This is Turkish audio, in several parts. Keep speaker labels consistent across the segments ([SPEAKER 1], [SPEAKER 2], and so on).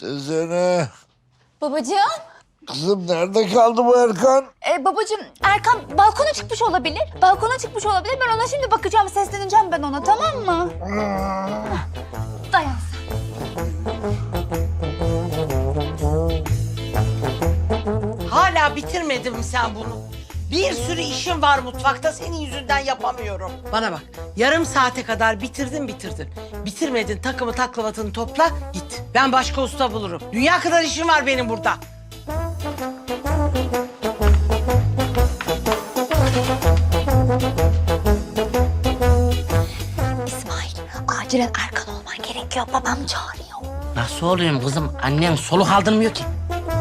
[SPEAKER 1] Tezene.
[SPEAKER 2] Babacığım.
[SPEAKER 1] Kızım nerede kaldı bu Erkan?
[SPEAKER 2] Babacığım Erkan balkona çıkmış olabilir. Balkona çıkmış olabilir. Ben ona şimdi bakacağım, sesleneceğim ben ona, tamam mı? Dayan sen.
[SPEAKER 3] Hala bitirmedin mi sen bunu? Bir sürü işim var mutfakta, senin yüzünden yapamıyorum. Bana bak, yarım saate kadar bitirdin. Bitirmedin, takımı taklavatını topla, git. Ben başka usta bulurum. Dünya kadar işim var benim burada.
[SPEAKER 2] İsmail, acilen Erkan olman gerekiyor. Babam çağırıyor.
[SPEAKER 4] Nasıl olayım kızım? Annen soluk aldırmıyor ki.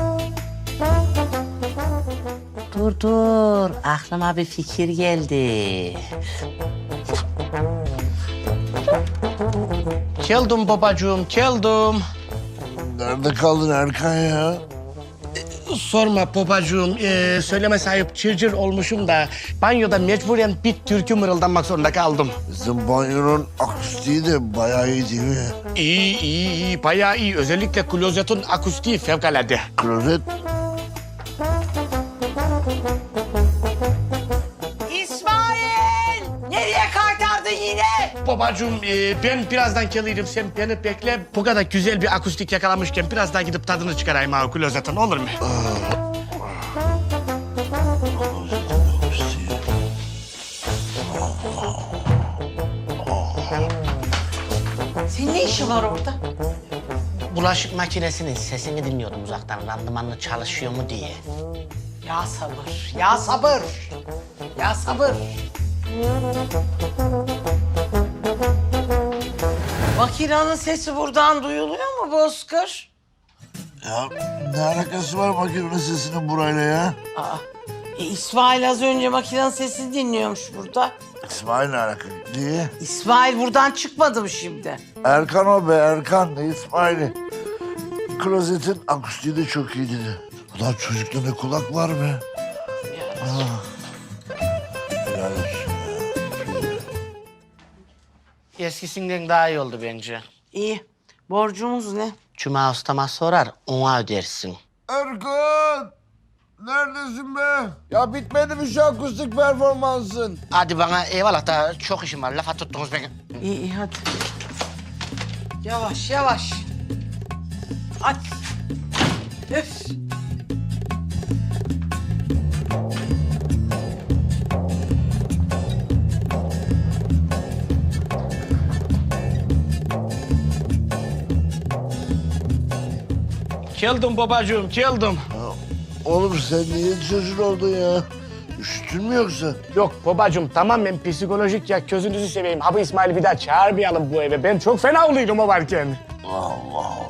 [SPEAKER 4] Dur. Aklıma bir fikir geldi. Geldim babacığım, geldim.
[SPEAKER 1] Nerede kaldın Erkan ya?
[SPEAKER 5] Sorma babacığım, söyleme sahip çırcır olmuşum da banyoda mecburen bir türkü mırıldanmak zorunda kaldım.
[SPEAKER 1] Bizim banyonun akustiği de bayağı iyi değil mi?
[SPEAKER 5] İyi, bayağı iyi. Özellikle klozetin akustiği fevkalade.
[SPEAKER 1] Klozet.
[SPEAKER 3] İsmail! Nereye kaytardın yine?
[SPEAKER 5] Babacığım, ben birazdan gelirim. Sen beni bekle. Bu kadar güzel bir akustik yakalamışken biraz daha gidip tadını çıkarayım ha klozetin, olur mu?
[SPEAKER 3] Senin ne işin var orada?
[SPEAKER 4] Bulaşık makinesinin sesini dinliyordum uzaktan. Randımanlı çalışıyor mu diye.
[SPEAKER 3] Ya sabır, ya sabır. Ya sabır. Makinenin sesi buradan duyuluyor mu Bozkır?
[SPEAKER 1] Ya ne alakası var makinenin sesinin burayla ya?
[SPEAKER 3] İsmail az önce makinenin sesini dinliyormuş burada.
[SPEAKER 1] İsmail ne alaka? Niye?
[SPEAKER 3] İsmail buradan çıkmadı mı şimdi?
[SPEAKER 1] Erkan o be Erkan. Ne İsmail'i? Klozetin akustiği de çok iyi dedi. Ulan çocukta ne kulak var be. Helal olsun ya.
[SPEAKER 4] Eskisinden daha iyi oldu bence.
[SPEAKER 3] İyi. Borcumuz ne?
[SPEAKER 4] Cuma ustama sorar, ona ödersin.
[SPEAKER 1] Erkan! Neredesin be? Ya bitmedi mi şu akustik performansın?
[SPEAKER 4] Hadi bana eyvallah da çok işim var. Lafa tuttunuz beni.
[SPEAKER 3] İyi hadi. Yavaş. Hadi. Öf.
[SPEAKER 5] Geldim babacığım, geldim.
[SPEAKER 1] Oğlum sen niye çocuğun oldun ya? Üşütün mü yoksa?
[SPEAKER 5] Yok babacığım, tamamen psikolojik ya. Gözünüzü seveyim. Abi İsmail'i bir daha çağırmayalım bu eve. Ben çok fena oluyorum o varken.
[SPEAKER 1] Allah Allah.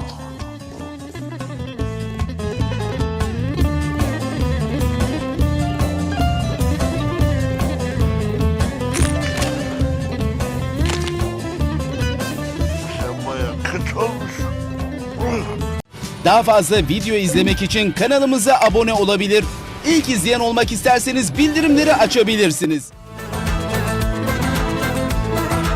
[SPEAKER 1] Sen bayağı kötü olmuşsun.
[SPEAKER 6] Daha fazla video izlemek için kanalımıza abone olabilir. İlk izleyen olmak isterseniz bildirimleri açabilirsiniz.